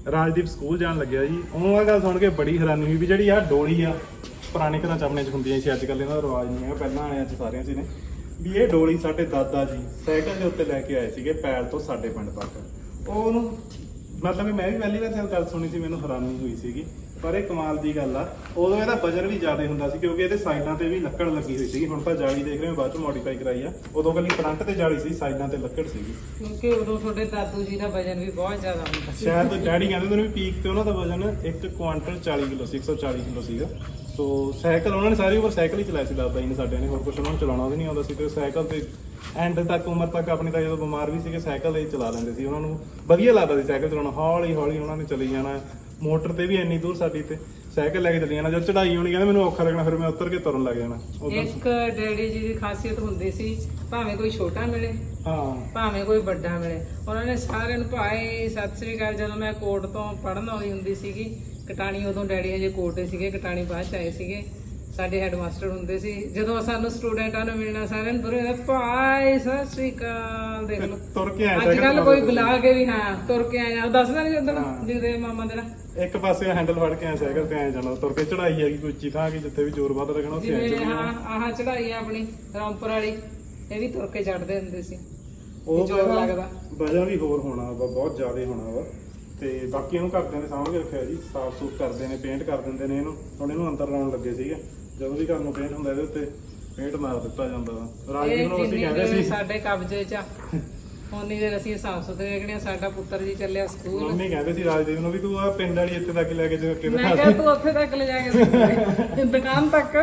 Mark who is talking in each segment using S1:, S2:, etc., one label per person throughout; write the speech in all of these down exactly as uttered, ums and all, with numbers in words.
S1: Rajdeep school ਜਾਣ ਲੱਗਿਆ ਜੀ। ਉਹਨੂੰ ਇਹ ਗੱਲ ਸੁਣ ਕੇ ਬੜੀ ਹੈਰਾਨੀ ਹੋਈ ਵੀ ਜਿਹੜੀ ਆ ਡੋਲੀ ਆ ਪੁਰਾਣੇ ਘਰਾਂ ਚ ਆਪਣੇ ਚ ਹੁੰਦੀਆਂ ਸੀ, ਅੱਜ ਕੱਲ੍ਹ ਇਹਨਾਂ ਦਾ ਰਿਵਾਜ ਨਹੀਂ ਹੈਗਾ, ਪਹਿਲਾਂ ਆਇਆ ਚ ਸਾਰਿਆਂ ਚ ਨੇ ਵੀ ਇਹ ਡੋਲੀ ਸਾਡੇ ਦਾਦਾ ਜੀ ਸਾਈਕਲ ਦੇ ਉੱਤੇ ਲੈ ਕੇ ਆਏ ਸੀਗੇ ਪੈਲ ਤੋਂ ਸਾਡੇ ਪਿੰਡ ਤੱਕ। ਉਹ ਉਹਨੂੰ ਮਤਲਬ ਕਿ ਮੈਂ ਵੀ ਪਹਿਲੀ ਵਾਰ ਗੱਲ ਸੁਣੀ ਸੀ, ਮੈਨੂੰ ਹੈਰਾਨੀ ਹੋਈ ਸੀਗੀ। ਪਰ ਇਹ ਕਮਾਲ ਦੀ ਗੱਲ ਆ, ਉਦੋਂ ਇਹਦਾ ਵਜਨ ਵੀ ਜ਼ਿਆਦਾ ਹੁੰਦਾ ਸੀ ਕਿਉਂਕਿ ਇਹਦੇ ਸਾਈਡਾਂ ਤੇ ਵੀ ਲੱਕੜ ਲੱਗੀ ਹੋਈ ਸੀਗੀ। ਹੁਣ ਤਾਂ ਜਾਲੀ ਦੇਖ ਰਹੇ ਹੋ ਬਾਅਦ ਚ ਮੋਡੀਫਾਈ ਕਰਾਈ ਆ, ਉਦੋਂ ਕੱਲੀ ਫਰੰਟ ਤੇ ਜਾਲੀ ਸੀ, ਸਾਈਡਾਂ ਤੇ ਲੱਕੜ ਸੀਗੀ।
S2: ਕਿਉਂਕਿ ਉਦੋਂ ਤੁਹਾਡੇ ਦਾਦੂ ਜੀ ਦਾ ਵਜਨ ਵੀ ਬਹੁਤ ਜ਼ਿਆਦਾ ਹੁੰਦਾ ਸੀ।
S1: ਸ਼ਾਇਦ ਡੈਡੀ ਕਹਿੰਦੇ ਉਹਨੂੰ ਵੀ ਪੀਕ ਤੇ ਉਹਨਾਂ ਦਾ ਵਜਨ ਇੱਕ ਕੁਆਂਟਲ ਚਾਲੀ ਕਿਲੋ ਸੀ, ਇੱਕ ਸੌ ਚਾਲੀ ਕਿਲੋ ਸੀਗਾ। ਸੋ ਸਾਈਕਲ ਉਹਨਾਂ ਨੇ ਸਾਰੀ ਉਮਰ ਸਾਈਕਲ ਹੀ ਚਲਾਇਆ ਸੀ ਦਾਦਾ ਜੀ ਨੇ ਸਾਡੇ ਨੇ, ਹੋਰ ਕੁਝ ਉਹਨਾਂ ਨੂੰ ਚਲਾਉਣਾ ਵੀ ਨਹੀਂ ਆਉਂਦਾ ਸੀ। ਤੇ ਸਾਈਕਲ ਤੇ ਐਂਡ ਤੱਕ ਉਮਰ ਤੱਕ ਆਪਣੀ ਤਾਂ ਜਦੋਂ ਬਿਮਾਰ ਵੀ ਸੀਗੇ ਸਾਈਕਲ ਹੀ ਚਲਾ ਲੈਂਦੇ ਸੀ। ਉਹਨਾਂ ਨੂੰ ਵਧੀਆ ਲੱਗਦਾ ਸੀ ਸਾਈਕਲ ਚਲਾਉਣਾ, ਹੌਲੀ ਹੌਲੀ ਉਹਨਾਂ ਨੇ ਚਲੀ ਜਾਣਾ। ਮੋਟਰ ਤੇ ਵੀ ਇੰਨੀ ਦੂਰ ਸਾਡੀ ਤੇ ਸਾਈਕਲ ਲੈ ਕੇ ਚਲੀ ਜਾਣਾ। ਜਦ ਚੜਾਈ ਹੋਣੀ ਕਹਿੰਦੇ ਮੈਨੂੰ ਔਖਾ ਲੱਗਣਾ, ਫਿਰ ਮੈਂ ਉਤਰ ਕੇ ਤੁਰਨ ਲੱਗ ਜਾਣਾ।
S2: ਇੱਕ ਡੈਡੀ ਜੀ ਦੀ ਖਾਸੀਅਤ ਹੁੰਦੀ ਸੀ, ਭਾਵੇਂ ਕੋਈ ਛੋਟਾ ਮਿਲੇ
S1: ਹਾਂ
S2: ਭਾਵੇਂ ਕੋਈ ਵੱਡਾ ਮਿਲੇ, ਉਹਨਾਂ ਨੇ ਸਾਰਿਆਂ ਨੂੰ ਭਾਈ ਸਤਿ ਸ੍ਰੀ ਅਕਾਲ। ਜਦੋਂ ਮੈਂ ਕੋਟ ਤੋਂ ਪੜ੍ਹਨ ਆਉਂਦੀ ਹੁੰਦੀ ਸੀਗੀ ਕਟਾਣੀ, ਉਦੋਂ ਡੈਡੀ ਹਜੇ ਕੋਟੇ ਸੀਗੇ, ਕਟਾਣੀ ਬਾਅਦ ਚ ਆਏ ਸੀਗੇ। ਸਾਡੇ ਹੈਡ ਮਾਸਟਰ ਹੁੰਦੇ ਸੀ, ਜਦੋਂ ਸਾਨੂੰ ਸਟੂਡੈਂਟਾਂ ਨੂੰ ਮਿਲਣਾ ਸਾਰਿਆਂ ਨੂੰ ਤੁਰੇ ਭਾਈ ਸਤਿ ਸ੍ਰੀ ਅਕਾਲ। ਦੇਖ ਲਓ
S1: ਤੁਰ ਕੇ ਆਇਆ
S2: ਅੱਜ ਕੱਲ ਕੋਈ ਬੁਲਾ ਕੇ ਵੀ ਹਾਂ ਤੁਰ ਕੇ ਆਇਆ ਦੱਸਦਾ ਨਹੀਂ ਉਦੋਂ ਜਿਹਦੇ ਮਾਮਾ ਦੇ ਨਾਲ
S1: ਇੱਕ ਪਾਸੇ ਹੈਂਡਲ ਫੜ ਕੇ ਆਇਆ ਸਾਈਕਲ ਤੇ ਆਇਆ ਜਾਣਾ। ਤੁਰ ਕੇ ਚੜਾਈ ਹੈਗੀ ਕੋਈ ਉੱਚੀ ਥਾਂ ਕਿ ਜਿੱਥੇ ਵੀ ਜ਼ੋਰ ਵੱਧ ਲੱਗਣਾ ਉੱਥੇ ਆਇਆ
S2: ਜਿਵੇਂ
S1: ਚੜ੍ਹਨਾ।
S2: ਹਾਂ ਆਹ ਚੜਾਈ ਆ ਆਪਣੀ ਰਾਮਪੁਰ ਵਾਲੀ, ਇਹ ਵੀ ਤੁਰ ਕੇ ਚੜਦੇ ਹੁੰਦੇ ਸੀ।
S1: ਉਹ
S2: ਜ਼ੋਰ ਲੱਗਦਾ,
S1: ਵਜ੍ਹਾ ਵੀ ਹੋਰ ਹੋਣਾ ਵਾ, ਬਹੁਤ ਜ਼ਿਆਦਾ ਹੋਣਾ ਵਾ। ਤੇ ਬਾਕੀ ਇਹਨੂੰ ਘਰਦਿਆਂ ਨੇ ਸਾਂਭ ਕੇ ਰੱਖਿਆ ਜੀ, ਸਾਫ਼ ਸੂਫ ਕਰਦੇ ਨੇ, ਪੇਂਟ ਕਰ ਦਿੰਦੇ ਨੇ ਇਹਨੂੰ। ਹੁਣ ਇਹਨੂੰ ਅੰਦਰ ਲਾਉਣ ਲੱਗੇ ਸੀਗੇ, ਜਦੋਂ ਵੀ ਘਰ ਨੂੰ ਪੇਂਟ ਹੁੰਦਾ ਇਹਦੇ ਉੱਤੇ ਪੇਂਟ ਮਾਰ ਦਿੱਤਾ ਜਾਂਦਾ ਵਾ। ਰਾਜਦੀਪ ਨੂੰ ਅਸੀਂ ਕਹਿੰਦੇ ਸੀ
S2: ਸਾਡੇ ਕਬਜ਼ੇ 'ਚ ਉਨੀ ਦੇਰ ਅਸੀਂ ਸਾਫ਼ ਸੁਥਰੇ ਰੱਖਣੇ। ਸਾਡਾ ਪੁੱਤਰ ਜੀ ਚੱਲਿਆ ਸਕੂਲ,
S1: ਮੰਮੀ ਕਹਿੰਦੇ ਸੀ ਰਾਜਦੀਪ ਨੂੰ ਵੀ ਤੂੰ ਆ ਪਿੰਡ ਵਾਲੀ ਇੱਥੇ ਤੱਕ ਲੈ ਕੇ ਜਾ ਕੇ
S2: ਮੈਂ ਕਿਹਾ ਤੂੰ ਉੱਥੇ ਤੱਕ ਲੈ ਜਾ ਕੇ ਦੁਕਾਨ ਤੱਕ।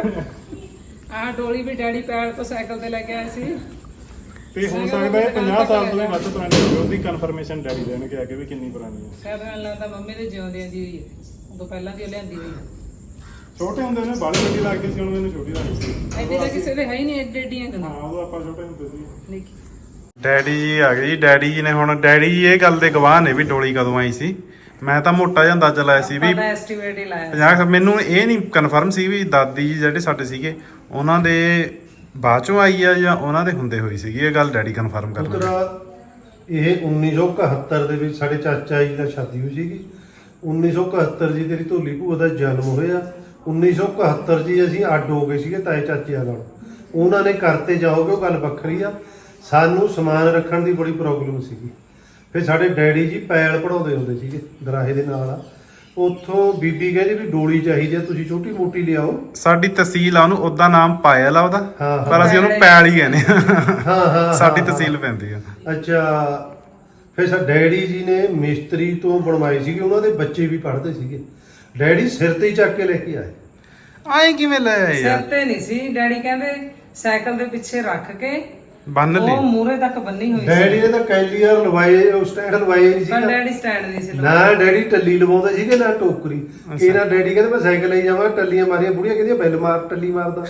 S2: ਆਹ ਡੋਲੀ ਵੀ ਡੈਡੀ ਪੈਰ ਤੋਂ ਸਾਈਕਲ ਤੇ ਲੈ ਕੇ ਆਏ ਸੀ।
S1: ਤੇ ਹੋ ਸਕਦਾ ਹੈ ਪੰਜਾਹ ਸਾਲ ਤੋਂ ਵੀ ਵੱਧ ਪੁਰਾਣੀ ਹੋਵੇ। ਉਹਦੀ ਕਨਫਰਮੇਸ਼ਨ ਡੈਡੀ ਦੇਣ ਕੇ ਆ ਕੇ ਵੀ ਕਿੰਨੀ ਪੁਰਾਣੀ ਹੈ।
S2: ਸ਼ਾਇਦ ਮੈਨੂੰ ਲੱਗਦਾ ਮੰਮੀ ਦੇ ਜਿਉਂਦਿਆਂ ਦੀ ਹੋਈ ਹੈ, ਉਦੋਂ ਪਹਿਲਾਂ ਦੀ ਉਹ ਲਿਆਂਦੀ ਹੋਈ ਹੈ।
S1: ਛੋਟੇ ਹੁੰਦੇ ਨੇ ਬਾਲੀ ਵੱਡੀ ਲੱਗਦੀ ਸੀ, ਹੁਣ ਮੈਨੂੰ ਛੋਟੀ ਲੱਗਦੀ ਸੀ।
S2: ਐਡੇ ਤਾਂ ਕਿਸੇ ਦੇ ਹੈ ਹੀ ਨਹੀਂ, ਐਡੇ ਐਡੀਆਂ ਗੱਲਾਂ।
S1: ਹਾਂ ਉਦੋਂ ਆਪਾਂ ਛੋਟੇ ਹੁੰਦੇ ਸੀ।
S2: ਦੇਖੀ
S1: ਡੈਡੀ ਜੀ ਆ ਗਏ ਜੀ। ਡੈਡੀ ਜੀ ਨੇ ਹੁਣ ਡੈਡੀ ਜੀ ਇਹ ਗੱਲ ਦੇ ਗਵਾਹ ਨੇ ਵੀ ਡੋਲੀ ਕਦੋਂ ਆਈ ਸੀ। ਮੈਂ ਤਾਂ ਮੋਟਾ ਜਿਹਾ ਅੰਦਾਜ਼ਾ ਲਾਇਆ ਸੀ ਵੀ
S2: ਆਪਾਂ ਐਸਟੀਮੇਟ ਹੀ ਲਾਇਆ
S1: ਪੰਜਾਹ। ਮੈਨੂੰ ਇਹ ਨਹੀਂ ਕਨਫਰਮ ਸੀ ਵੀ ਦਾਦੀ ਜੀ ਜਿਹੜੇ ਸਾਡੇ ਸੀਗੇ ਉਹਨਾਂ ਦੇ ਬਾਅਦ ਚੋਂ ਆਈ ਆ ਜਾਂ ਉਹਨਾਂ ਦੇ ਹੁੰਦੇ ਹੋਈ ਸੀਗੀ। ਇਹ ਗੱਲ ਡੈਡੀ ਕਨਫਰਮ ਕਰ
S3: ਲੈਂਦੇ। ਇਹ ਉੱਨੀ ਸੌ ਇਕਹੱਤਰ ਦੇ ਵਿੱਚ ਸਾਡੇ ਚਾਚਾ ਜੀ ਦਾ ਸ਼ਾਦੀ ਹੋਈ ਸੀਗੀ। ਉੱਨੀ ਸੌ ਇਕਹੱਤਰ ਜੀ ਤੇਰੀ ਢੋਲੀ ਭੂਆ ਦਾ ਜਨਮ ਹੋਇਆ। ਉੱਨੀ ਸੌ ਇਕਹੱਤਰ ਜੀ ਅਸੀਂ ਅੱਡ ਹੋ ਗਏ ਸੀਗੇ ਤਾਏ ਚਾਚਿਆਂ ਨਾਲ। ਉਹਨਾਂ ਨੇ ਕਰਤੇ ਜਾਓਗੇ ਉਹ ਗੱਲ ਵੱਖਰੀ ਆ। ਸਾਨੂੰ ਸਮਾਨ ਰੱਖਣ ਦੀ ਬੜੀ ਪ੍ਰੋਬਲਮ ਸੀਗੀ। ਫਿਰ ਸਾਡੇ ਡੈਡੀ ਜੀ ਪੈਲ ਪੜਾਉਂਦੇ ਹੁੰਦੇ ਸੀਗੇ ਦਰਾਹੇ ਦੇ ਨਾਲ। ਉੱਥੋਂ ਬੀਬੀ ਕਹਿੰਦੀ ਵੀ ਡੋਲੀ ਚਾਹੀਦੀ ਆ, ਤੁਸੀਂ ਛੋਟੀ ਮੋਟੀ ਲਿਆਓ। ਸਾਡੀ ਤਹਿਸੀਲ ਆ, ਉਹਨੂੰ ਉਹਦਾ ਨਾਮ ਪਾਇਲ ਆ ਉਹਦਾ, ਪਰ ਅਸੀਂ ਉਹਨੂੰ ਪੈਲ ਹੀ ਕਹਿੰਦੇ ਹਾਂ। ਹਾਂ ਸਾਡੀ ਤਹਿਸੀਲ ਪੈਂਦੀ ਆ। ਅੱਛਾ ਫਿਰ ਸਾਡੇ ਡੈਡੀ ਜੀ ਨੇ ਮਿਸਤਰੀ ਤੋਂ ਬਣਵਾਈ ਸੀਗੀ, ਉਹਨਾਂ ਦੇ ਬੱਚੇ ਵੀ ਪੜ੍ਹਦੇ ਸੀਗੇ। ਡੈਡੀ ਸਿਰ ਤੇ ਹੀ ਚੱਕ ਕੇ ਲੈ ਕੇ ਆਏ। ਆਏ ਕਿਵੇਂ ਲੈ ਆਏ
S2: ਸਿਰ ਤੇ ਨਹੀਂ ਸੀ, ਡੈਡੀ ਕਹਿੰਦੇ ਸਾਈਕਲ ਦੇ ਪਿੱਛੇ ਰੱਖ ਕੇ
S1: ਬੰਨ ਲਈ,
S2: ਉਹ ਮੂਰੇ ਤੱਕ ਬੰਨੀ ਹੋਈ ਸੀ।
S3: ਡੈਡੀ ਨੇ ਤਾਂ ਕੈਲੀਅਰ ਲਵਾਏ, ਉਹ ਸਟੈਂਡ ਲਵਾਏ ਨਹੀਂ
S2: ਪਰ
S3: ਸੀ।
S2: ਡੈਡੀ ਸਟੈਂਡ ਨਹੀਂ ਸੀ
S3: ਨਾ ਡੈਡੀ ਟੱਲੀ ਲਵਾਉਂਦੇ ਸੀਗੇ ਨਾ ਟੋਕਰੀ। ਇਹਨਾਂ ਡੈਡੀ ਕਹਿੰਦੇ ਮੈਂ ਸਾਈਕਲ ਲਈ ਜਾਵਾਂ, ਟੱਲੀਆਂ ਮਾਰੀਆਂ, ਬੁੜੀਆਂ ਕਹਿੰਦੀਆਂ ਬੈਲ ਮਾਰ, ਟੱਲੀ ਮਾਰਦਾ।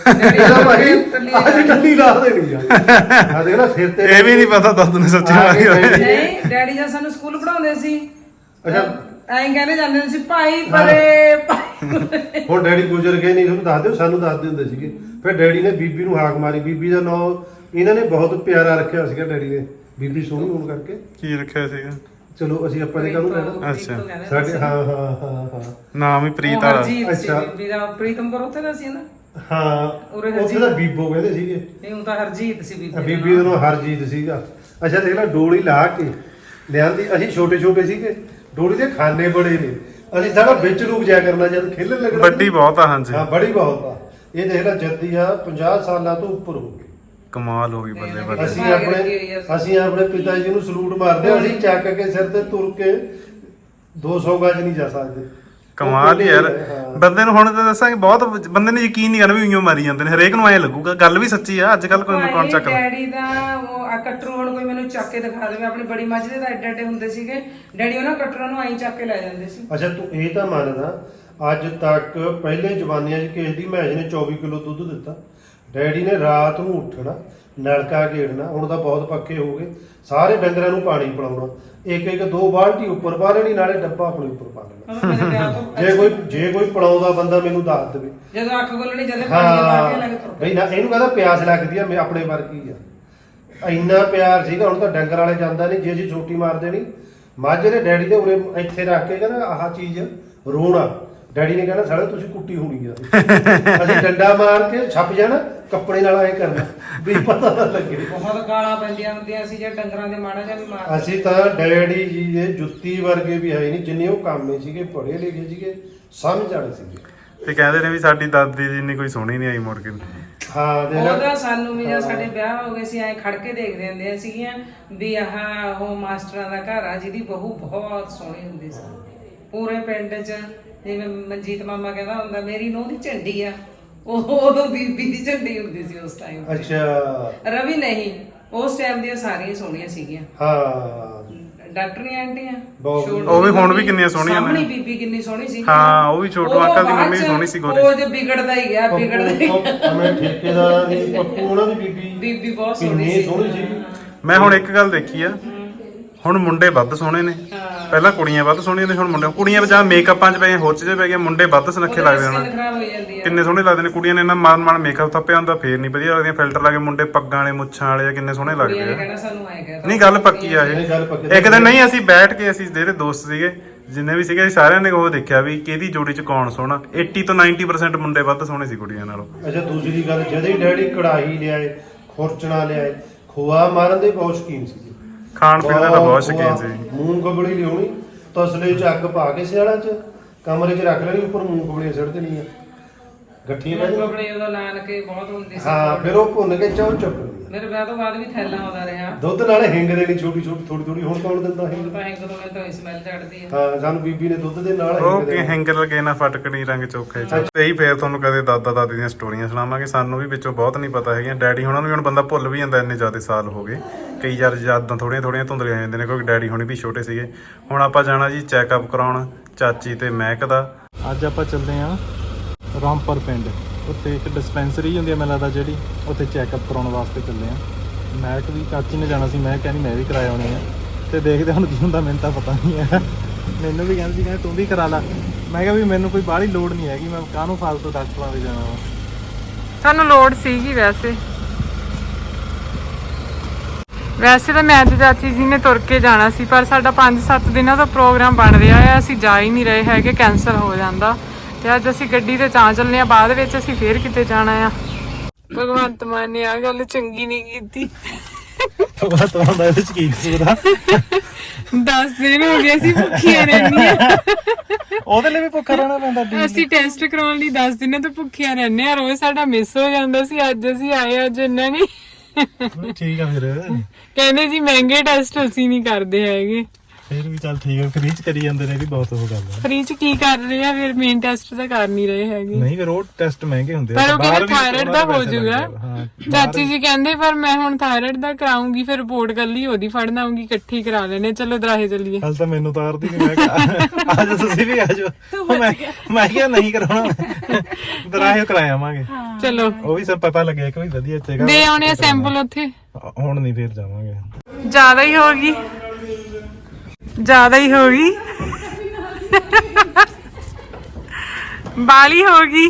S3: ਅੱਜ ਟੱਲੀ ਲਾ ਦੇਣੀ ਆ। ਆ ਦੇਖ ਨਾ ਸਿਰ ਤੇ। ਇਹ ਵੀ ਨਹੀਂ ਪਤਾ ਦਾਦੂ ਨੇ ਸੱਚੀ ਮਾਰੀ ਹੋਈ।
S2: ਨਹੀਂ ਡੈਡੀ ਜਦ ਸਾਨੂੰ ਸਕੂਲ ਪੜਾਉਂਦੇ ਸੀ ਅੱਛਾ ਐਂ ਕਹਿੰਦੇ ਜਾਂਦੇ ਸੀ ਭਾਈ ਪਰੇ ਭਾਈ।
S3: ਹੁਣ ਡੈਡੀ ਗੁਜ਼ਰ ਗਏ ਨਹੀਂ, ਤੁਹਾਨੂੰ ਦੱਸ ਦਿਓ, ਸਾਨੂੰ ਦੱਸਦੇ ਹੁੰਦੇ ਸੀਗੇ। ਫਿਰ ਡੈਡੀ ਨੇ ਬੀਬੀ ਨੂੰ ਹਾਕ ਮਾਰੀ। ਬੀਬੀ ਦਾ ਨਾਂ ਇਹਨਾਂ ਨੇ ਬਹੁਤ ਪਿਆਰਾ ਰੱਖਿਆ ਸੀਗਾ ਡੈਡੀ ਨੇ, ਬੀਬੀ ਸੋਹਣੀ ਹੋਣ ਕਰਕੇ। ਕੀ ਰੱਖਿਆ ਸੀਗਾ? ਚਲੋ ਅਸੀਂ ਆਪਾਂ ਨੇ ਕਾਹਨੂੰ ਕਹਿਣਾ।
S2: ਅੱਛਾ
S3: ਸਾਡੇ ਹਾਂ ਹਾਂ ਹਾਂ ਹਾਂ
S1: ਨਾਮ ਹੀ ਪ੍ਰੀਤ ਵਾਲਾ।
S2: ਅੱਛਾ ਬੀਬੀ ਦਾ ਪ੍ਰੀਤਮਪੁਰ ਉੱਥੇ ਦਾ ਸੀ ਨਾ।
S3: ਹਾਂ ਉੱਥੇ ਦਾ ਬੀਬੋ ਕਹਿੰਦੇ ਸੀਗੇ।
S2: ਨਹੀਂ ਉਹ ਤਾਂ ਹਰਜੀਤ ਸੀ ਬੀਬੀ।
S3: ਬੀਬੀ ਦਾ ਨਾਮ ਹਰਜੀਤ ਸੀਗਾ। ਅੱਛਾ ਦੇਖ ਲੈ ਡੋਲੀ ਲਾ ਕੇ ਲਿਆਂਦੀ। ਅਸੀਂ ਛੋਟੇ ਛੋਟੇ ਸੀਗੇ, ਡੋਲੀ ਦੇ ਖਾਨੇ ਬੜੇ ਨੇ। ਅਸੀਂ ਸਾਡਾ ਵਿੱਚ ਰੁਕ ਜਾਇਆ ਕਰਨਾ ਜਦ ਖੇਲਣ ਲੱਗਣਾ। ਵੱਡੀ ਬਹੁਤ ਆ। ਹਾਂਜੀ ਹਾਂ ਬੜੀ ਬਹੁਤ ਆ। ਇਹ ਦੇਖ ਲੈ ਜੱਦੀ ਆ ਪੰਜਾਹ ਸਾਲਾਂ ਤੋਂ ਉੱਪਰ ਹੋ ਗਈ। ਕਮਾਲ ਹੋ ਗਈ ਬੱਲੇ ਬੱਲੇ। ਅਸੀਂ ਆਪਣੇ ਅਸੀਂ ਆਪਣੇ ਪਿਤਾ ਜੀ ਨੂੰ ਸਲੂਟ ਮਾਰਦੇ ਹਾਂ। ਅਸੀਂ ਚੱਕ ਕੇ ਸਿਰ ਤੇ ਤੁਰ ਕੇ ਦੋ ਸੌ ਗਜ ਨਹੀਂ ਜਾ ਸਕਦੇ।
S1: ਕਮਾਲ ਹੀ ਯਾਰ। ਬੰਦੇ ਨੂੰ ਹੁਣ ਤਾਂ ਦੱਸਾਂਗੇ ਬਹੁਤ ਬੰਦੇ ਨੇ ਯਕੀਨ ਨਹੀਂ ਕਰਨਾ ਵੀ ਉਈਓ ਮਾਰੀ ਜਾਂਦੇ ਨੇ। ਹਰੇਕ ਨੂੰ ਐਂ ਲੱਗੂਗਾ। ਗੱਲ ਵੀ ਸੱਚੀ ਆ। ਅੱਜ ਕੱਲ ਕੋਈ ਕੌਣ ਚੱਕਦਾ।
S2: ਡੈਡੀ ਦਾ ਉਹ ਆ ਕਟਰੂ ਹੁਣ ਕੋਈ ਮੈਨੂੰ ਚੱਕ ਕੇ ਦਿਖਾ ਦੇਵੇ। ਆਪਣੀ ਬੜੀ ਮੱਝ ਦੇ ਤਾਂ ਐਡੇ ਐਡੇ ਹੁੰਦੇ ਸੀਗੇ। ਡੈਡੀ ਉਹਨਾਂ ਕਟਰਾਂ ਨੂੰ ਐਂ ਚੱਕ ਕੇ ਲੈ ਜਾਂਦੇ ਸੀ।
S3: ਅੱਛਾ ਤੂੰ ਇਹ ਤਾਂ ਮੰਨਦਾ ਅੱਜ ਤੱਕ ਪਹਿਲੇ ਜ਼ਮਾਨਿਆਂ 'ਚ ਕਿਸੇ ਦੀ ਮੈਚ ਨੇ ਚੌਵੀ ਕਿਲੋ ਦੁੱਧ ਦਿੱਤਾ। ਡੈਡੀ ਨੇ ਰਾਤ ਨੂੰ ਉੱਠਣਾ, ਨਲਕਾ ਗੇੜਨਾ। ਹੁਣ ਤਾਂ ਬਹੁਤ ਪੱਕੇ ਹੋ ਗਏ। ਸਾਰੇ ਡੰਗਰਾਂ ਨੂੰ ਪਾਣੀ ਪਿਲਾਉਣਾ, ਇੱਕ ਇੱਕ ਦੋ ਬਾਲਟੀ ਉੱਪਰ ਪਾ ਲੈਣੀ, ਨਾਲੇ ਡੱਬਾ ਆਪਣੇ ਉੱਪਰ ਪਾ ਲੈਣਾ। ਜੇ ਕੋਈ ਜੇ ਕੋਈ ਪਿਲਾਉਂਦਾ ਬੰਦਾ ਮੈਨੂੰ ਦੱਸ ਦੇਵੇ।
S2: ਜਦੋਂ ਅੱਖ ਖੋਲਣੀ ਜਦੇ ਪਾਣੀ ਪਾ ਕੇ ਲੱਗ ਤੁਰ
S3: ਬਈ ਨਾ ਇਹਨੂੰ ਕਹਿੰਦਾ ਪਿਆਸ ਲੱਗਦੀ ਆ। ਮੈਂ ਆਪਣੇ ਵਰਗੀ ਆ। ਇੰਨਾ ਪਿਆਰ ਸੀਗਾ। ਹੁਣ ਤਾਂ ਡੰਗਰ ਵਾਲੇ ਜਾਂਦਾ ਨਹੀਂ। ਜੇ ਜੀ ਛੋਟੀ ਮਾਰ ਦੇਣੀ ਮਾਝੇ ਦੇ ਡੈਡੀ ਦੇ ਉਰੇ ਇੱਥੇ ਰੱਖ ਕੇ ਕਹਿੰਦਾ ਆਹ ਚੀਜ਼ ਰੋਣਾ। ਡੈਡੀ ਨੇ ਕਹਿਣਾ ਸਾਲੇ ਤੁਸੀਂ ਕੁੱਟੀ ਹੋਣੀ ਆ ਅਸੀਂ ਡੰਡਾ ਮਾਰ ਕੇ ਛੱਪ ਜਾਣਾ ਕੱਪੜੇ ਨਾਲ ਐ ਕਰਨਾ ਵੀ ਪਤਾ ਨਾ ਲੱਗੇ।
S2: ਬਹੁਤ ਗਾਲਾਂ ਪੈਂਦੀਆਂ ਹੁੰਦੀਆਂ ਸੀ ਜੇ ਡੰਗਰਾਂ ਦੇ ਮਾੜਾ ਜਿਹਾ ਵੀ ਮਾਰ।
S3: ਅਸੀਂ ਤਾਂ ਡੈਡੀ ਜੀ ਦੇ ਜੁੱਤੀ ਵਰਗੇ ਵੀ ਹੈ ਨਹੀਂ ਜਿੰਨੇ ਉਹ ਕਾਮੇ ਸੀਗੇ, ਪੜ੍ਹੇ ਲਿਖੇ ਸੀਗੇ, ਸਮਝ ਵਾਲੇ ਸੀਗੇ।
S1: ਤੇ ਕਹਿੰਦੇ ਨੇ ਵੀ ਸਾਡੀ ਦਾਦੀ ਜੀ ਇੰਨੀ ਕੋਈ ਸੋਹਣੀ ਨਹੀਂ ਆਈ ਮੁੜ ਕੇ।
S3: ਹਾਂ ਦੇ
S2: ਉਹਦਾ ਸਾਨੂੰ ਵੀ ਜਦ ਸਾਡੇ ਵਿਆਹ ਹੋ ਗਏ ਸੀ ਐ ਖੜ ਕੇ ਦੇਖਦੇ ਹੁੰਦੇ ਸੀਗੀਆਂ ਵੀ ਆਹ ਉਹ ਮਾਸਟਰਾਂ ਦਾ ਘਰ ਆ ਜਿਹਦੀ ਬਹੂ ਬਹੁਤ ਸੋਹਣੀ ਹੁੰਦੀ ਸੀ। ਪੂਰੇ ਪਿੰਡ 'ਚ ਜਿਵੇਂ ਮਨਜੀਤ ਮਾਮਾ ਕਹਿੰਦਾ ਹੁੰਦਾ ਮੇਰੀ ਨੂੰਹ ਦੀ ਝੰਡੀ ਆ, ਉਹ ਉਦੋਂ ਬੀਬੀ ਦੀ ਝੰਡੀ ਹੁੰਦੀ ਸੀ ਉਸ ਟਾਈਮ।
S3: ਅੱਛਾ
S2: ਰਵੀ ਨਹੀਂ, ਉਸ ਟਾਈਮ ਦੀਆਂ ਸਾਰੀਆਂ ਸੋਹਣੀਆਂ ਸੀਗੀਆਂ।
S3: ਹਾਂ
S2: ਡਾਕਟਰੀ ਆਂਟੀਆਂ
S3: ਬਹੁਤ।
S2: ਛੋਟੂ
S1: ਉਹ ਵੀ ਹੁਣ ਵੀ ਕਿੰਨੀਆਂ ਸੋਹਣੀਆਂ ਨੇ।
S2: ਸਾਹਮਣੀ ਬੀਬੀ ਕਿੰਨੀ ਸੋਹਣੀ ਸੀ।
S1: ਹਾਂ ਉਹ ਵੀ ਛੋਟੂ
S2: ਉਹ
S1: ਅੰਕਲ ਦੀ
S2: ਬਾਅਦ
S1: ਮੰਮੀ
S2: ਚ
S1: ਸੋਹਣੀ ਸੀ ਗੋਰੀ।
S2: ਉਹ ਜੇ ਵਿਗੜਦਾ ਹੀ ਗਿਆ ਵਿਗੜਦਾ ਹੀ ਗਿਆ।
S3: ਮੈਂ ਠੇਕੇਦਾਰ ਦੀ ਪੱਪੂ ਉਹਨਾਂ ਦੀ ਬੀਬੀ
S2: ਬੀਬੀ ਬਹੁਤ ਸੋਹਣੀ
S3: ਕਿੰਨੀ
S2: ਸੀ।
S3: ਸੋਹਣੀ ਸੀ।
S1: ਮੈਂ ਹੁਣ ਇੱਕ ਗੱਲ ਦੇਖੀ ਆ, ਹੁਣ ਮੁੰਡੇ ਵੱਧ ਸੋਹਣੇ ਨੇ, ਪਹਿਲਾਂ ਕੁੜੀਆਂ ਵੱਧ ਸੋਹਣੀਆਂ ਨੇ, ਹੁਣ ਮੁੰਡੇ ਕੁੜੀਆਂ ਵਿੱਚ ਆ ਮੇਕਅਪਾਂ 'ਚ ਪਏ ਹੋਚ 'ਚ ਪੈ ਗਏ, ਮੁੰਡੇ ਵੱਧ ਸੁਨੱਖੇ ਲੱਗਦੇ ਹੁਣ।
S2: ਖਰਾਬ ਹੋ ਜਾਂਦੀ ਆ।
S1: ਕਿੰਨੇ ਸੋਹਣੇ ਲੱਗਦੇ ਨੇ ਕੁੜੀਆਂ ਨੇ, ਇਹਨਾਂ ਮਾਨ ਮਾਨ ਮੇਕਅਪ ਥੱਪਿਆ ਹੁੰਦਾ ਫੇਰ ਨਹੀਂ ਵਧੀਆ ਲੱਗਦੀਆਂ, ਫਿਲਟਰ ਲਾ ਕੇ ਮੁੰਡੇ ਪੱਗਾਂ ਵਾਲੇ ਮੁੱਛਾਂ ਵਾਲੇ ਆ, ਕਿੰਨੇ ਸੋਹਣੇ ਲੱਗਦੇ
S2: ਕੁੜੀਆਂ ਨੇ
S1: ਆ।
S2: ਕਹਿਣਾ ਸਾਨੂੰ ਐਂ ਕਹਿ
S1: ਨਹੀਂ ਗੱਲ ਪੱਕੀ ਆ
S3: ਇਹ ਗੱਲ ਪੱਕੀ।
S1: ਇਹ। ਇੱਕ ਦਿਨ ਨਹੀਂ ਅਸੀਂ ਬੈਠ ਕੇ ਅਸੀਂ ਜਿਹੜੇ ਦੋਸਤ ਸੀਗੇ ਜਿੰਨੇ ਵੀ ਸੀਗੇ ਅਸੀਂ ਸਾਰਿਆਂ ਨੇ ਉਹ ਦੇਖਿਆ ਵੀ ਕਿਹਦੀ ਜੋੜੀ 'ਚ ਕੌਣ ਸੋਹਣਾ। ਅੱਸੀ ਤੋਂ ਨੱਬੇ ਪਰਸੈਂਟ ਮੁੰਡੇ ਵੱਧ ਸੋਹਣੇ ਸੀ ਕੁੜੀਆਂ ਨਾਲੋਂ।
S3: ਅੱਛਾ ਦੂਸਰੀ ਗੱਲ, ਜਦੋਂ ਹੀ ਡੈਡੀ ਕੜਾਹੀ ਲਿਆਏ, ਖੁਰਚਣਾ ਲਿਆਏ, ਖੋਆ ਮਾਰਨ ਦੇ ਬਹੁਤ ਸ਼ੌਕੀਨ ਸੀ।
S1: ਖਾਣ ਪੀਣ ਦਾ ਤਾਂ ਬਹੁਤ ਸ਼ੌਕੀਨ ਸੀ।
S3: ਮੂੰਗਫਲੀ ਲਿਆਉਣੀ, ਤਸਲੇ 'ਚ ਅੱਗ ਪਾ ਕੇ ਸਿਆਲਾਂ 'ਚ ਕਮਰੇ 'ਚ ਰੱਖ ਲੈਣੀ, ਉੱਪਰ ਮੂੰਗਫਲੀਆਂ ਸੁੱਟ ਦੇਣੀਆਂ, ਗੱਠੀਆਂ ਪੈ ਜਾਣੀਆਂ।
S2: ਕੱਪੜੇ ਉਦੋਂ ਨਾਨਕੇ ਬਹੁਤ ਹੁੰਦੀ ਸੀ।
S3: ਹਾਂ ਫਿਰ ਉਹ ਭੁੰਨ ਕੇ ਚਾਹ ਚੁੱਪ।
S2: ਮੇਰੇ ਵਿਆਹ ਤੋਂ ਬਾਅਦ ਵੀ ਥੈਲਾ ਆਉਂਦਾ ਰਿਹਾ।
S3: ਦੁੱਧ ਨਾਲ ਹਿੰਗ ਦੇਣੀ ਛੋਟੀ ਛੋਟੀ ਥੋੜੀ ਥੋੜੀ। ਹੁਣ ਕੌਣ ਦਿੰਦਾ ਹਿੰਗ?
S2: ਤਾਂ ਹਿੰਗ ਤੋਂ ਮੈਨੂੰ ਤਾਂ ਸਮੈਲ ਚੜਦੀ ਹੈ।
S3: ਹਾਂ ਸਾਨੂੰ ਬੀਬੀ ਨੇ ਦੁੱਧ ਦੇ ਨਾਲ
S1: ਉਹ
S3: ਹਿੰਗ
S1: ਕਿ
S3: ਦੇਣੀ।
S1: ਹੈਂਗ ਲਗੇ ਨਾ ਫਟਕਣੀ ਰੰਗ ਚੋਖੇ ਚ। ਤੇ ਹੀ ਫੇਰ ਤੁਹਾਨੂੰ ਕਦੇ ਦਾਦਾ ਦਾਦੀ ਦੀਆਂ ਸਟੋਰੀਆਂ ਸੁਣਾਵਾਂਗੇ। ਸਾਨੂੰ ਵੀ ਵਿੱਚੋਂ ਬਹੁਤ ਨਹੀਂ ਪਤਾ ਹੈਗੀਆਂ। ਡੈਡੀ ਹੁਣਾਂ ਨੂੰ ਵੀ ਹੁਣ ਬੰਦਾ ਭੁੱਲ ਵੀ ਜਾਂਦਾ, ਇੰਨੇ ਜ਼ਿਆਦਾ ਸਾਲ ਹੋ ਗਏ। ਕਈ ਵਾਰ ਯਾਦਾਂ ਥੋੜੀਆਂ ਥੋੜੀਆਂ ਧੁੰਦਲੀਆਂ ਹੋ ਜਾਂਦੀਆਂ ਨੇ ਕਿਉਂਕਿ ਡੈਡੀ ਹੁਣੀ ਵੀ ਛੋਟੇ ਸੀਗੇ। ਹੁਣ ਆਪਾਂ ਜਾਣਾ ਜੀ ਚੈੱਕਅਪ ਕਰਾਉਣ ਚਾਚੀ ਤੇ ਮਹਿਕ ਦਾ। ਅੱਜ ਆਪਾਂ ਚੱਲਦੇ ਹਾਂ ਰਾਮਪੁਰ ਪਿੰਡ, ਉੱਥੇ ਇੱਕ ਡਿਸਪੈਂਸਰੀ ਹੁੰਦੀ ਹੈ ਮੈਨੂੰ ਲੱਗਦਾ ਜਿਹੜੀ, ਉੱਥੇ ਚੈੱਕਅਪ ਕਰਾਉਣ ਵਾਸਤੇ ਚੱਲੇ ਹਾਂ। ਮਹਿਕ ਵੀ ਚਾਚੀ ਨੇ ਜਾਣਾ ਸੀ, ਮੈਂ ਕਹਿੰਦੀ ਮੈਂ ਵੀ ਕਰਾਇਆ ਆਉਣੇ ਆ ਤੇ ਦੇਖਦੇ ਹੁਣ ਕੀ ਹੁੰਦਾ। ਮੈਨੂੰ ਤਾਂ ਪਤਾ ਨਹੀਂ ਹੈ, ਮੈਨੂੰ ਵੀ ਕਹਿੰਦੀ ਸੀ ਕਹਿੰਦੇ ਤੂੰ ਵੀ ਕਰਾ ਲਾ। ਮੈਂ ਕਿਹਾ ਵੀ ਮੈਨੂੰ ਕੋਈ ਬਾਹਲੀ ਲੋੜ ਨਹੀਂ ਹੈਗੀ, ਮੈਂ ਕਾਹਨੂੰ ਫਾਲਤੂ ਡਾਕਟਰਾਂ ਦੇ ਜਾਣਾ ਵਾ।
S2: ਸਾਨੂੰ ਲੋੜ ਸੀਗੀ ਵੈਸੇ ਵੈਸੇ ਤਾਂ ਮੈਂ ਤੇ ਚਾਚੀ ਜੀ ਨੇ ਤੁਰ ਕੇ ਜਾਣਾ ਸੀ, ਪਰ ਸਾਡਾ ਪੰਜ ਸੱਤ ਦਿਨਾਂ ਦਾ ਪ੍ਰੋਗਰਾਮ ਬਣ ਰਿਹਾ ਹੈ, ਅਸੀਂ ਜਾ ਹੀ ਨਹੀਂ ਰਹੇ ਹੈਗੇ, ਕੈਂਸਲ ਹੋ ਜਾਂਦਾ। ਤੇ ਅੱਜ ਅਸੀਂ ਗੱਡੀ ਤੇ ਚਾਂ ਚੱਲਨੇ ਆ, ਬਾਅਦ ਵਿੱਚ ਅਸੀਂ ਫੇਰ ਕਿਤੇ ਜਾਣਾ ਆ। ਭਗਵੰਤ ਮਾਨ ਨੇ ਆ ਗੱਲ ਚੰਗੀ ਨਹੀਂ ਕੀਤੀ।
S3: ਭਗਵੰਤ ਮਾਨ ਦਾ ਇਹਦੇ ਚ ਕੀ ਕਸੂਰ ਆ?
S2: ਦਸ ਦਿਨ ਹੋ ਗਏ ਅਸੀਂ ਭੁੱਖੀਆਂ ਰਹਿੰਦੀਆਂ।
S3: ਉਹਦੇ ਲਈ ਵੀ ਭੁੱਖਾ ਰਹਿਣਾ ਪੈਂਦਾ।
S2: ਅਸੀਂ ਟੈਸਟ ਕਰਾਉਣ ਲਈ ਦਸ ਦਿਨਾਂ ਤੋਂ ਭੁੱਖੀਆਂ ਰਹਿੰਦੇ ਆ, ਰੋਜ਼ ਸਾਡਾ ਮਿਸ ਹੋ ਜਾਂਦਾ ਸੀ। ਅੱਜ ਅਸੀਂ ਆਏ, ਅੱਜ ਇਹਨਾਂ ਨੇ
S3: ਠੀਕ ਆ ਫਿਰ।
S2: ਕਹਿੰਦੇ ਜੀ ਮਹਿੰਗੇ ਟੈਸਟ ਅਸੀਂ ਨਹੀਂ ਕਰਦੇ ਹੈਗੇ।
S3: ਫਿਰ ਵੀ ਚੱਲ ਠੀਕ ਆ, ਫ੍ਰੀ ਚ ਕਰੀ ਜਾਂਦੇ ਨੇ ਵੀ ਬਹੁਤ ਉਹ ਗੱਲ ਆ।
S2: ਫ੍ਰੀ ਚ ਕੀ ਕਰ ਰਹੇ ਆ ਫਿਰ? ਮੇਨ ਟੈਸਟ ਤਾਂ ਕਰ ਨਹੀਂ ਰਹੇ ਹੈਗੇ।
S3: ਨਹੀਂ ਫਿਰ ਉਹ ਟੈਸਟ ਮਹਿੰਗੇ ਹੁੰਦੇ
S2: ਪਰ ਉਹ ਕਹਿੰਦੇ ਥਾਇਰਾਇਡ ਦਾ ਹੋ ਜਾਊਗਾ। ਚਾਚੀ ਜੀ ਕਹਿੰਦੇ ਪਰ ਮੈਂ ਹੁਣ ਥਾਇਰਾਇਡ ਦਾ ਕਰਾਉਂਗੀ, ਫਿਰ ਰਿਪੋਰਟ ਕੱਲੀ ਉਹਦੀ ਫੜਨ ਆਉਂਗੀ, ਇਕੱਠੀ ਕਰਾ ਲੈਣੇ। ਚਲੋ ਦਰਾਹੇ ਚੱਲੀਏ।
S3: ਕੱਲ ਤਾਂ ਮੈਨੂੰ ਤਾਰਦੀ ਕਿ ਮੈਂ ਅੱਜ ਤੁਸੀਂ ਵੀ ਆ ਜਾਓ। ਮੈਂ ਮੈਂ ਕਿਹਾ ਨਹੀਂ ਕਰਾਉਣਾ, ਦਰਾਹੇ ਕਰਾ ਆਵਾਂਗੇ।
S2: ਚਲੋ
S3: ਉਹ ਵੀ ਸਭ ਪਤਾ ਲੱਗਿਆ ਕਿ ਵੀ ਵਧੀਆ ਚੇਗਾ
S2: ਦੇ ਆਉਣੇ ਆ ਸੈਂਪਲ ਉੱਥੇ।
S3: ਹੁਣ ਨਹੀਂ ਫਿਰ ਜਾਵਾਂਗੇ।
S2: ਜ਼ਿਆਦਾ ਹੀ ਹੋ ਗਈ, ਜ਼ਿਆਦਾ ਹੀ ਹੋ ਗਈ, ਬਾਲੀ ਹੋ ਗਈ।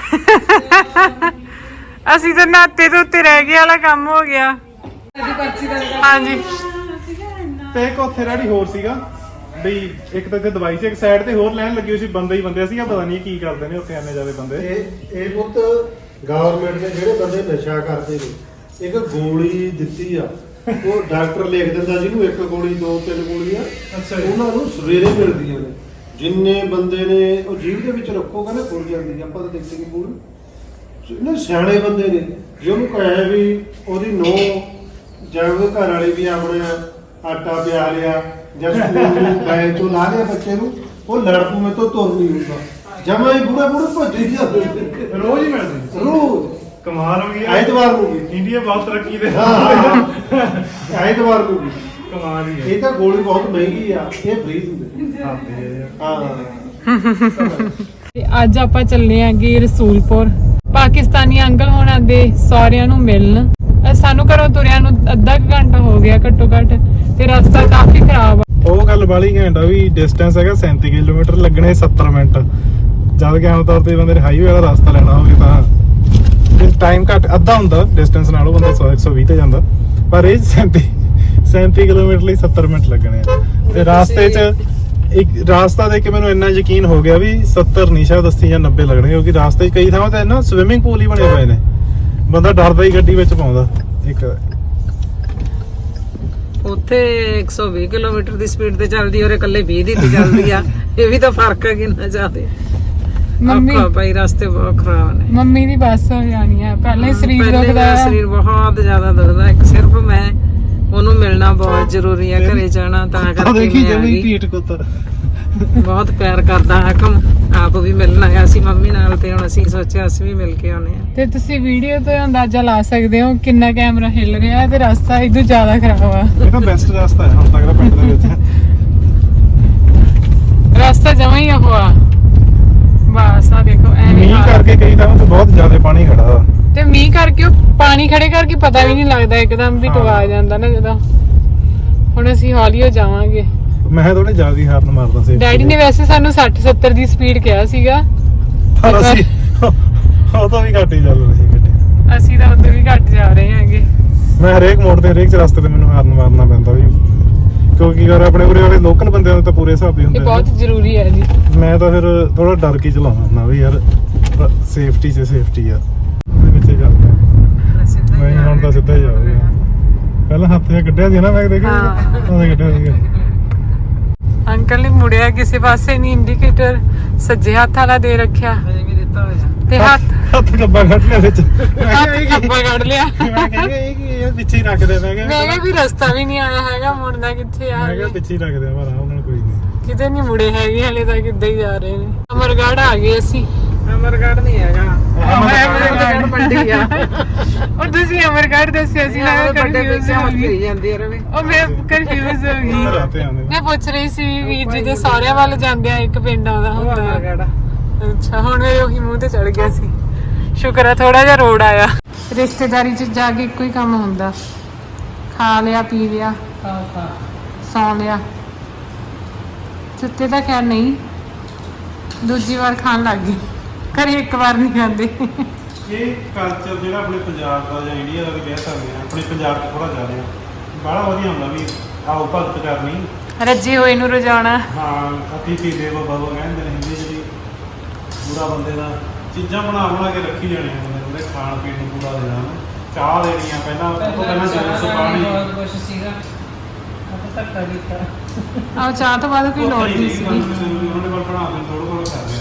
S2: ਅਸੀਂ ਤਾਂ ਨਾਤੇ ਤੋਂ ਉੱਤੇ ਰਹਿ ਗਏ ਵਾਲਾ ਕੰਮ ਹੋ ਗਿਆ। ਹਾਂਜੀ
S1: ਤੇ ਇੱਕ ਉੱਥੇ ਰੈਡੀ ਹੋਰ ਸੀਗਾ ਬਈ, ਇੱਕ ਤਾਂ ਇੱਥੇ ਦਵਾਈ ਸੀ, ਇੱਕ ਸਾਈਡ ਤੇ ਹੋਰ ਲੈਣ ਲੱਗੀ ਹੋਈ ਸੀ, ਬੰਦੇ ਹੀ ਬੰਦੇ ਸੀਗਾ। ਪਤਾ ਨਹੀਂ ਕੀ ਕਰਦੇ ਨੇ ਉੱਥੇ ਐਨੇ ਜ਼ਿਆਦਾ ਬੰਦੇ।
S3: ਇਹ ਇਹ ਪੁੱਤ ਗਵਰਨਮੈਂਟ ਨੇ ਜਿਹੜੇ ਬੰਦੇ ਨਸ਼ਾ ਕਰਦੇ ਨੇ, ਇੱਕ ਗੋਲੀ ਦਿੱਤੀ ਆ, ਉਹ ਡਾਕਟਰ ਲਿਖ ਦਿੰਦਾ ਜਿਹਨੂੰ ਇੱਕ ਗੋਲੀ ਦੋ ਤਿੰਨ ਗੋਲੀਆਂ ਉਹਨਾਂ ਨੂੰ ਸਵੇਰੇ ਮਿਲਦੀਆਂ ਨੇ। ਜਿੰਨੇ ਬੰਦੇ ਨੇ ਉਹ ਜੀਭ ਦੇ ਵਿੱਚ ਰੱਖੋਗਾ ਨਾ ਖੁੱਲ ਜਾਂਦੀ ਆ। ਆਪਾਂ ਤਾਂ ਦੇਖਦੇ ਕਿ ਪੂਰੀ ਜਿਹੜੇ ਸਿਆਣੇ ਬੰਦੇ ਨੇ, ਜੇ ਉਹਨੂੰ ਕਹੇ ਵੀ ਉਹਦੀ ਨੋ ਜਾਂ ਉਹਦੇ ਘਰ ਵਾਲੇ ਵੀ ਆਪਣੇ ਆਟਾ ਪਿਆ ਲਿਆ ਜਾਂ ਸਕੂਲ ਨੂੰ ਬੈਗ ਤੋਂ ਲਾ ਲਿਆ ਬੱਚੇ ਨੂੰ, ਉਹ ਲੜਪੂ ਮੇ ਤੋਂ ਤੁਰ ਨਹੀਂ ਹੁੰਦਾ। ਜਮਾ ਹੀ ਬੁੜੇ ਬੁੜੇ ਭੱਜੇ ਜਾਂਦੇ
S1: ਰੋਜ਼ ਹੀ ਮਿਲਦੇ,
S3: ਰੋਜ਼।
S1: ਕਮਾਲ ਹੋ ਗਈ।
S3: ਐਤਵਾਰ ਨੂੰ ਵੀ
S1: ਇੰਡੀਆ ਬਹੁਤ ਤਰੱਕੀ ਦੇ।
S3: ਐਤਵਾਰ ਨੂੰ ਵੀ
S1: ਕਮਾਲ ਹੀ ਹੈ।
S3: ਇਹ ਤਾਂ ਗੋਲੀ ਬਹੁਤ ਮਹਿੰਗੀ ਆ, ਇਹ ਫ੍ਰੀ ਦਿੰਦੇ। ਹਾਂ
S2: ਤੇ ਅੱਜ ਆਪਾਂ ਚੱਲੇ ਆਂਗੇ ਰਸੂਲਪੁਰ, ਪਾਕਿਸਤਾਨੀ ਅੰਕਲ ਹੋਣਾ ਦੇ ਸਹੁਰਿਆਂ ਨੂੰ ਮਿਲਣ। ਸਾਨੂੰ ਘਰੋਂ ਤੁਰਿਆਂ ਨੂੰ ਅੱਧਾ ਕੁ ਘੰਟਾ ਹੋ ਗਿਆ ਘੱਟੋ ਘੱਟ, ਤੇ ਰਸਤਾ ਕਾਫੀ ਖਰਾਬ ਆ।
S1: ਉਹ ਗੱਲ ਬਾਲੀ ਘੈਂਟ ਆ ਵੀ ਡਿਸਟੈਂਸ ਹੈਗਾ ਸੈਂਤੀ ਕਿਲੋਮੀਟਰ, ਲੱਗਣੇ ਸੱਤਰ ਮਿੰਟ। ਜਦ ਕਿ ਆਮ ਤੌਰ ਤੇ ਬੰਦੇ ਨੇ ਹਾਈਵੇ ਵਾਲਾ ਰਸਤਾ ਲੈਣਾ ਹੋਵੇ ਤਾਂ ਟਾਈਮ ਘੱਟ ਅੱਧਾ ਹੁੰਦਾ ਡਿਸਟੈਂਸ ਨਾਲੋਂ, ਬੰਦਾ ਸੌ ਇੱਕ ਸੌ ਵੀਹ ਤੇ ਜਾਂਦਾ। ਪਰ ਇਹ ਸੈਂਤੀ ਸੈਂਤੀ ਕਿਲੋਮੀਟਰ ਲਈ ਸੱਤਰ ਮਿੰਟ ਲੱਗਣੇ ਆ ਤੇ ਰਾਸਤੇ 'ਚ ਇੱਕ ਰਾਸਤਾ ਦੇਖ ਕੇ ਮੈਨੂੰ ਇੰਨਾ ਯਕੀਨ ਹੋ ਗਿਆ ਵੀ ਸੱਤਰ ਨਹੀਂ ਸ਼ਾਇਦ ਅੱਸੀ ਜਾਂ ਨੱਬੇ ਲੱਗਣਗੇ ਕਿਉਂਕਿ ਰਾਸਤੇ 'ਚ ਕਈ ਥਾਵਾਂ ਤੇ ਨਾ ਸਵਿਮਿੰਗ ਪੂਲ ਹੀ ਬਣੇ ਹੋਏ ਨੇ ਬੰਦਾ ਡਰਦਾ ਹੀ ਗੱਡੀ ਵਿੱਚ ਪਾਉਂਦਾ ਇੱਕ
S2: ਉੱਥੇ ਇੱਕ ਸੌ ਵੀਹ ਕਿਲੋਮੀਟਰ ਦੀ ਸਪੀਡ ਤੇ ਚੱਲਦੀ ਔਰ ਇਕੱਲੇ ਵੀਹ ਦੀ ਤੇ ਚੱਲਦੀ ਆ ਇਹ ਵੀ ਤਾਂ ਫਰਕ ਹੈ ਕਿੰਨਾ ਜ਼ਿਆਦਾ
S4: ਮੰਮੀ
S2: ਔਖਾ ਭਾਈ ਰਸਤੇ ਬਹੁਤ ਖਰਾਬ ਨੇ
S4: ਮੰਮੀ ਦੀ ਬੱਸ ਹੋ ਜਾਣੀ ਹੈ ਪਹਿਲੇ ਹੀ ਸਰੀਰ
S2: ਪਹਿਲੇ
S4: ਦੁਖਦਾ
S2: ਮੇਰਾ
S4: ਹੈ
S2: ਸਰੀਰ ਬਹੁਤ ਜ਼ਿਆਦਾ ਦੁਖਦਾ ਇੱਕ ਸਿਰਫ ਮੈਂ ਉਹਨੂੰ ਮਿਲਣਾ ਬਹੁਤ ਜ਼ਰੂਰੀ ਆ ਘਰੇ ਜਾਣਾ ਤਾਂ ਕਰਕੇ ਮੈਂ ਆ ਗਈ
S1: ਪੀਟ ਕੁੱਤਰ
S2: ਬਹੁਤ ਪਿਆਰ ਕਰਦਾ ਹਾਕਮ ਆਪ ਵੀ ਮਿਲਣ ਆਇਆ ਸੀ ਮੰਮੀ ਨਾਲ ਤੇ ਹੁਣ ਅਸੀਂ ਸੋਚਿਆ ਅਸੀਂ ਵੀ ਮਿਲ ਕੇ ਆਉਣੇ ਆ
S4: ਤੇ ਤੁਸੀਂ ਵੀਡੀਓ ਤੋਂ ਅੰਦਾਜ਼ਾ ਲਾ ਸਕਦੇ ਹੋ ਕਿੰਨਾ ਕੈਮਰਾ ਹਿੱਲ ਰਿਹਾ ਹੈ ਤੇ ਰਸਤਾ ਇਦੋਂ ਜ਼ਿਆਦਾ ਖਰਾਬ ਆ
S1: ਇਹ ਤਾਂ ਬੈਸਟ ਰਸਤਾ ਹੈ ਹੁਣ ਤੱਕ ਦਾ ਪਿੰਡ ਦੇ ਵਿੱਚ
S4: ਰਸਤਾ ਜਮਾਂ ਹੀ ਉਹ ਆ ਬਸ ਆ ਦੇਖੋ ਐਵੇਂ
S1: ਮੀਂਹ
S4: ਹਾਲ।
S1: ਕਰਕੇ ਕਈ ਥਾਵਾਂ ਤੇ ਬਹੁਤ ਜ਼ਿਆਦਾ ਪਾਣੀ ਖੜਾ ਵਾ
S4: ਤੇ ਮੀਂਹ ਕਰਕੇ ਉਹ ਪਾਣੀ ਖੜੇ ਕਰਕੇ ਪਤਾ ਵੀ ਨਹੀਂ ਲੱਗਦਾ ਇੱਕਦਮ ਵੀ
S1: ਹਾਂ।
S4: ਟਵਾ ਜਾਂਦਾ ਨਾ ਜਦੋਂ ਹੁਣ ਅਸੀਂ ਹੌਲੀ ਹੋ ਜਾਵਾਂਗੇ
S1: ਮੈਂ ਥੋੜੇ ਜ਼ਿਆਦਾ ਹੀ ਹਾਰਨ ਮਾਰਦਾ ਸੀ
S4: ਡੈਡੀ ਨੇ ਵੈਸੇ ਸਾਨੂੰ ਸੱਠ ਸੱਤਰ ਦੀ ਸਪੀਡ ਕਿਹਾ ਸੀਗਾ
S1: ਪਰ ਅਸੀਂ ਉਹ ਤਾਂ ਵੀ ਘੱਟ ਹੀ ਚੱਲ ਰਹੀ ਸੀ ਗੱਡੀ
S4: ਅਸੀਂ ਤਾਂ ਉਧਰ ਵੀ ਘੱਟ ਜਾ ਰਹੇ ਹਾਂਗੇ
S1: ਮੈਂ ਹਰੇਕ ਮੋੜ ਤੇ ਹਰੇਕ ਰਸਤੇ ਤੇ ਮੈਨੂੰ ਹਾਰਨ ਮਾਰਨਾ ਪੈਂਦਾ ਵੀ ਕਿਉਂਕਿ ਯਾਰ ਆਪਣੇ ਉਰੇ ਵਾਲੇ ਲੋਕਲ ਬੰਦਿਆਂ ਨੂੰ ਤਾਂ ਪੂਰੇ ਹਿਸਾਬ ਹੀ
S4: ਇਹ
S1: ਹੁੰਦੇ
S4: ਬਹੁਤ ਜ਼ਰੂਰੀ ਹੈ ਜੀ
S1: ਨੇ। ਮੈਂ ਤਾਂ ਫਿਰ ਥੋੜਾ ਡਰ ਕੇ ਚਲਾਉਣਾ ਹੁੰਦਾ ਵੀ ਯਾਰ ਸੇਫਟੀ ਸੇ ਸੇਫਟੀ ਆ ਪਿੱਛੇ ਚੱਲਦਾ ਮੈਂ ਹੁਣ ਤਾਂ ਸਿੱਧਾ ਹੀ ਜਾਊਗਾ ਪਹਿਲਾਂ ਹੱਥ ਜਿਹਾ ਕੱਢਿਆ ਸੀ ਨਾ ਮੈਂ ਦੇਖਿਆ
S2: ਹਾਂ।
S1: ਉਹਦੇ ਕੱਢਿਆ ਸੀਗਾ
S4: ਅੰਕਲ ਨੇ ਮੁੜਿਆ ਕਿਸੇ ਪਾਸੇ ਨਹੀਂ ਇੰਡੀਕੇਟਰ ਸੱਜੇ ਹੱਥ ਵਾਲਾ ਦੇ ਰੱਖਿਆ
S2: ਹਜੇ ਵੀ ਦਿੱਤਾ ਹੋਇਆ
S4: ਤੇ ਹੱਥ
S1: ਹੱਥ ਕੱਬਾ ਕੱਢ ਲਿਆ ਵਿੱਚ
S4: ਹੱਥ ਖੱਬਾ ਕੱਢ ਲਿਆ
S1: ਮੈਂ ਕਹਿੰਦਾ ਇਹ ਕੀ ਇਹ ਪਿੱਛੇ ਹੀ ਰੱਖਦੇ ਮੈਂ ਕਿਹਾ
S4: ਮੈਂ ਕਿਹਾ ਵੀ ਰਸਤਾ ਵੀ ਨਹੀਂ ਆਇਆ ਹੈਗਾ ਮੁੜਨਾ ਕਿੱਥੇ ਆ
S1: ਮੈਂ ਕਿਹਾ ਪਿੱਛੇ ਹੀ ਰੱਖਦੇ ਆ ਪਰ ਆਰਾਮ ਨਾਲ ਕੋਈ ਨਹੀਂ
S4: ਕਿਤੇ ਨਹੀਂ ਮੁੜੇ ਹੈਗੇ ਹਲੇ ਤੱਕ ਇੱਦਾਂ ਹੀ ਜਾ ਰਹੇ ਨੇ ਅਮਰਗੜ੍ਹ ਆ ਗਏ ਅਸੀਂ
S2: ਅਮਰਗੜ੍ਹ ਨਹੀਂ ਹੈਗਾ ਅਮਰਗੜ੍ਹ ਮੰਡੀ ਆ
S4: ਔਰ ਤੁਸੀਂ ਅਮਰਗੜ੍ਹ ਦੱਸਿਆ ਸੀ ਨਾ
S2: ਵੱਡੇ
S4: ਕਨਫਿਊਜ਼
S2: ਪਿੱਛੇ
S4: ਹੋ
S2: ਮਤ
S4: ਗਈ
S2: ਕਰੀ ਜਾਂਦੀ ਆ ਰਵੇ
S4: ਉਹ ਮੈਂ ਕਨਫਿਊਜ਼ ਹੋ ਗਈ
S1: ਅੰਦਰ ਆਤੇ ਆਉਂਦੇ
S4: ਮੈਂ ਪੁੱਛ ਰਹੀ ਸੀ ਵੀ ਵੀਰ ਜੀ ਦੇ ਸਾਰਿਆਂ ਵੱਲ ਜਾਂਦੇ ਆ ਇੱਕ ਪਿੰਡ ਆਉਂਦਾ
S2: ਉਹ
S4: ਹੁੰਦਾ ਹੈ।
S2: ਅਮਰਗੜ੍ਹ
S4: ਅੱਛਾ ਹੁਣ ਮੇਰੇ ਉਹੀ ਮੂੰਹ ਤੇ ਚੜ ਗਿਆ ਸੀ ਸ਼ੁਕਰ ਹੈ ਥੋੜਾ ਜਿਹਾ ਰੋਡ ਆਇਆ ਰਿਸ਼ਤੇਦਾਰੀ 'ਚ ਜਾ ਕੇ ਇੱਕੋ ਹੀ ਕੰਮ ਹੁੰਦਾ ਖਾ ਲਿਆ ਪੀ ਲਿਆ
S2: ਖਾ ਖਾ
S4: ਸੌਂ ਲਿਆ ਸੁੱਤੇ ਤਾਂ ਖੈਰ ਨਹੀਂ ਦੂਜੀ ਵਾਰ ਖਾਣ ਲੱਗ ਗਈ ਘਰੇ ਇੱਕ ਵਾਰ ਨਹੀਂ ਖਾਂਦੇ
S1: ਇਹ ਕਲਚਰ ਜਿਹੜਾ ਆਪਣੇ ਪੰਜਾਬ ਦਾ ਜਾਂ ਇੰਡੀਆ ਦਾ ਵੀ ਕਹਿ ਸਕਦੇ ਆ ਆਪਣੇ ਪੰਜਾਬ 'ਚ ਥੋੜਾ ਜ਼ਿਆਦਾ ਆ ਬੜਾ ਵਧੀਆ ਹੁੰਦਾ ਵੀ ਆਓ ਭਗਤ ਕਰਨੀ
S4: ਰੱਜੇ ਹੋਏ ਨੂੰ ਰਜਾਉਣਾ
S1: ਹਾਂ ਅਤੀਥੀ ਦੇਵੋ ਭਵ ਕਹਿੰਦੇ ਨੇ ਹਿੰਦੀ 'ਚ ਵੀ ਪੂਰਾ ਬੰਦੇ ਦਾ ਚੀਜ਼ਾਂ ਬਣਾ ਬਣਾ ਕੇ ਰੱਖੀ ਜਾਣੀਆਂ ਬੰਦੇ ਨੂੰ ਉਹਦੇ ਖਾਣ ਪੀਣ ਨੂੰ ਪੂਰਾ ਦੇਣਾ ਉਹਨੂੰ। ਚਾਹ ਦੇਣੀ ਆ ਪਹਿਲਾਂ ਉਹ ਤੋਂ ਪਹਿਲਾਂ ਜੂਸ ਪਾਣੀ
S2: ਬਹੁਤ ਕੁਝ ਸੀਗਾ ਆਪਾਂ ਧੱਕਾ ਕੀਤਾ
S4: ਆਹ ਚਾਹ ਤੋਂ ਬਾਅਦ ਕੋਈ ਲੋੜ ਨਹੀਂ ਸੀ
S1: ਉਹਨਾਂ ਨੇ ਬਣਾ ਦੇਣ ਥੋੜਾ ਥੋੜਾ ਕਰ